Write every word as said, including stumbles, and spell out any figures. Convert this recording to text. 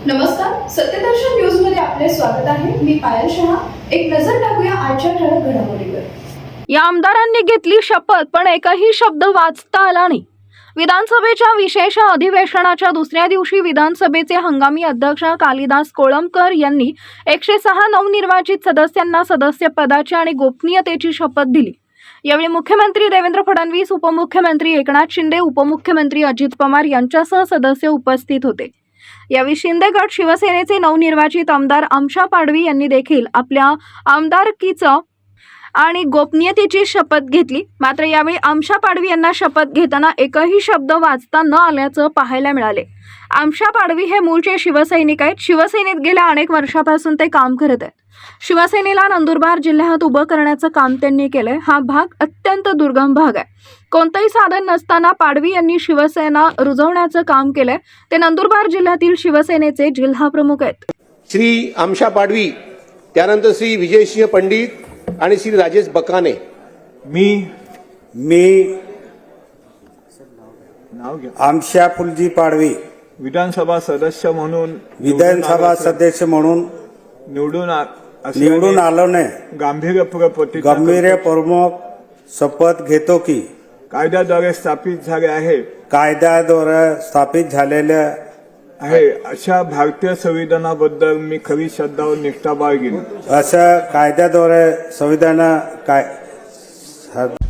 नमस्कार, सत्यदर्शन न्यूज मध्ये आपले स्वागत आहे. मी पायल शहा. एक नजर टाकूया आजच्या ठळक घडामोडीवर. या आमदारांनी घेतली शपथ, पण एकही शब्द वाचता आला नाही. विधानसभेच्या विशेष अधिवेशनाच्या दुसऱ्या दिवशी विधानसभेचे हंगामी अध्यक्ष कालिदास कोळंबकर यांनी एकशे सहा नवनिर्वाचित सदस्यांना सदस्यपदाची आणि गोपनीयतेची शपथ दिली. यावेळी मुख्यमंत्री देवेंद्र फडणवीस, उपमुख्यमंत्री एकनाथ शिंदे, उपमुख्यमंत्री अजित पवार यांच्यासह सदस्य उपस्थित होते. यावेळी शिंदे गट शिवसेनेचे नवनिर्वाचित आमदार आमशा पाडवी यांनी देखील आपल्या आमदारकीचं आणि गोपनीयतेची शपथ घेतली. मात्र यावेळी आमशा पाडवी यांना शपथ घेताना एकही शब्द वाचता न आल्याचं पाहायला मिळाले. आमशा पाडवी हे मूळचे शिवसैनिक आहेत. शिवसेनेत गेल्या अनेक वर्षापासून ते काम करत आहेत. शिवसेनेला नंदुरबार जिल्ह्यात उभं करण्याचं काम त्यांनी केलंय. हा भाग अत्यंत दुर्गम भाग आहे. कोणतंही साधन नसताना पाडवी यांनी शिवसेना रुजवण्याचं काम केलंय. ते नंदुरबार जिल्ह्यातील शिवसेनेचे जिल्हा प्रमुख आहेत. श्री आमशा पाडवी, त्यानंतर श्री विजयसिंह पंडित आणि श्री राजेश बकाने. मी मी नाव घ्या. आमशा फुलजी पाडवी विधानसभा सदस्य म्हणून विधानसभा सदस्य म्हणून निवडून आ- असल्याने निवडून आलोने गांभीर्यपूर्वक प्रतिज्ञा गंभीर करतो. प्रमुख शपथ घेतो की कायद्याद्वारे स्थापित झाले आहे कायद्याद्वारे स्थापित झालेल्या आहे अशा भारतीय संविधानाबद्दल मी खरी श्रद्धा व निष्ठा बाळगीन. असं कायद्याद्वारे संविधान काय